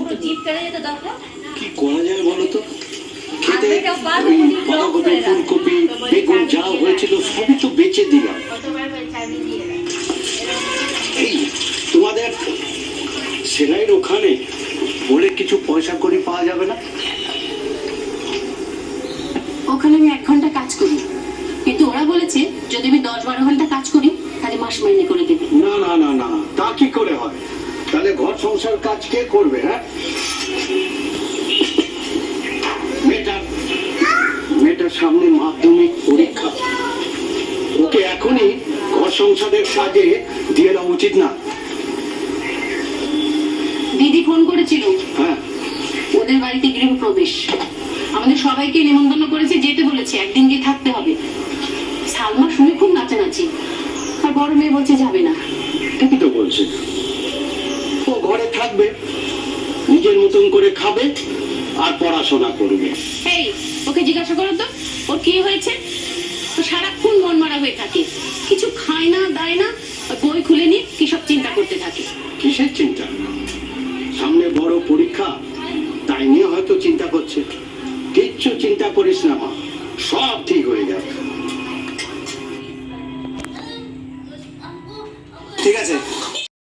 কি করা যায় বলো তো? খেতে বাঁধাকপি, ফুলকপি, বেগুন যা হয়েছিল সবই তো বেচে দিলাম। এই তোমাদের সেলাইয়ের ওখানে বলে কিছু পয়সা করি পাওয়া যাবে না? ওখানে আমি 1 ঘন্টা কাজ করি, কিন্তু ওরা বলেছে যদি আমি 10-12 ঘন্টা কাজ করি তাহলে মাস মাইনে করে দেবে। না না না না, তা কি করে হয়? তাহলে ঘর সংসার কাজ কে করবে? হ্যাঁ, মেয়েটার সামনে মাধ্যমিক পরীক্ষা, ওকে এখনই ঘর সংসারের কাজে দিয়ে দেওয়া উচিত না? দিদি ফোন করেছিল, হ্যাঁ, ওদের বাড়িতে গৃহপ্রবেশ, আমাদের সবাইকে নিমন্ত্রণ করেছে, যেতে বলেছে, একদিন গিয়ে থাকতে হবে। সালমা শুনে খুব নাচানাচি, আর বড় মেয়ে বলছে যাবে না। ঠিকই তো বলছে, ও ঘরে থাকবে, নিজের মতন করে খাবে আর পড়াশোনা করবে। এই ওকে জিজ্ঞাসা করো তো ওর কি হয়েছে। তো সারাক্ষণ মন মারা হয়ে থাকে, কিছু খায় না দায় না, আর বই খুলে নিয়ে কি সব চিন্তা করতে থাকে। কিসের চিন্তা? সামনে বড় পরীক্ষা, তাই নিয়ে হয়তো চিন্তা করছে। কিচ্ছু চিন্তা করিস না মা,